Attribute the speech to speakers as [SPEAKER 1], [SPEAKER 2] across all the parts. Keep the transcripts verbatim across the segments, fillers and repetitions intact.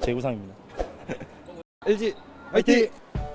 [SPEAKER 1] 제 우상입니다.
[SPEAKER 2] 엘지 화이팅!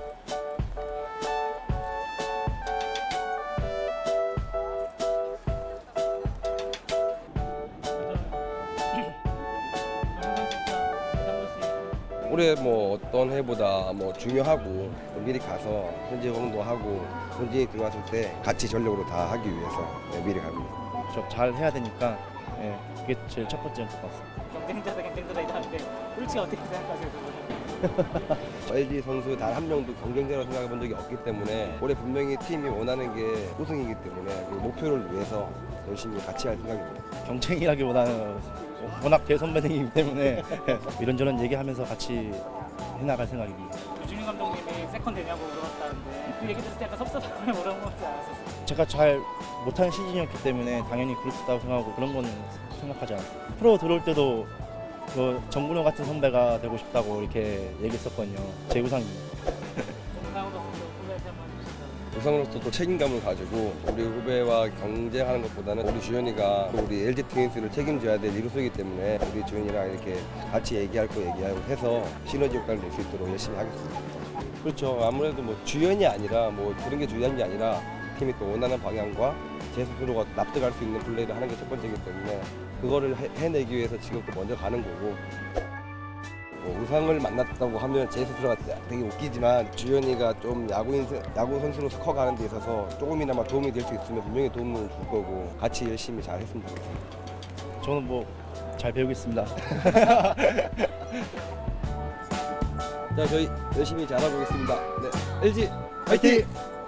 [SPEAKER 2] 올해 뭐 어떤 해보다 뭐 중요하고 미리 가서 현지 홍보하고 현지에 들어왔을 때 같이 전력으로 다 하기 위해서 네, 미리 갑니다.
[SPEAKER 1] 저 잘 해야 되니까 예, 그게 제일 첫 번째인 것 같습니다.
[SPEAKER 3] 경쟁자다 경쟁자다 이러는데 솔직히 어떻게 생각하세요? 그거는?
[SPEAKER 2] 엘지 선수 단 한 명도 경쟁자로 생각해 본 적이 없기 때문에 올해 분명히 팀이 원하는 게 우승이기 때문에 그 목표를 위해서 열심히 같이 할 생각입니다.
[SPEAKER 1] 경쟁이라기보다는 워낙 대선배이기 때문에 이런저런 얘기하면서 같이 해나갈 생각입니다.
[SPEAKER 3] 유준희 감독님이 세컨 되냐고 물어봤다는데 그 얘기 들을 때 약간 섭섭하거나 뭐라고 하지 않았었어요?
[SPEAKER 1] 제가 잘 못하는 시즌이었기 때문에 당연히 그럴 수 있다고 생각하고 그런 거는 생각하지 않았어요. 프로 들어올 때도 그 정근호 같은 선배가 되고 싶다고 이렇게 얘기했었거든요. 제 우상입니다.
[SPEAKER 3] 영상으로서 후배한테 한번 해주시죠.
[SPEAKER 2] 우상으로서 또 책임감을 가지고 우리 후배와 경쟁하는 것보다는 우리 주현이가 우리 엘지 트윈스를 책임져야 될 이루수이기 때문에 우리 주현이랑 이렇게 같이 얘기할 거 얘기하고 해서 시너지 효과를 낼 수 있도록 열심히 하겠습니다. 그렇죠. 아무래도 뭐 주연이 아니라 뭐 그런 게 중요한 게 아니라 팀이 또 원하는 방향과 제 스스로가 납득할 수 있는 플레이를 하는 게 첫 번째이기 때문에 그거를 해, 해내기 위해서 지금 또 먼저 가는 거고 뭐 우상을 만났다고 하면 제 스스로가 되게 웃기지만 주현이가 좀 야구인 야구 선수로서 커가는 데 있어서 조금이나마 도움이 될 수 있으면 분명히 도움을 줄 거고 같이 열심히 잘 했으면 좋겠습니다.
[SPEAKER 1] 저는 뭐 잘 배우겠습니다.
[SPEAKER 2] 자, 저희 열심히 잘해보겠습니다. 네, 엘지 화이팅!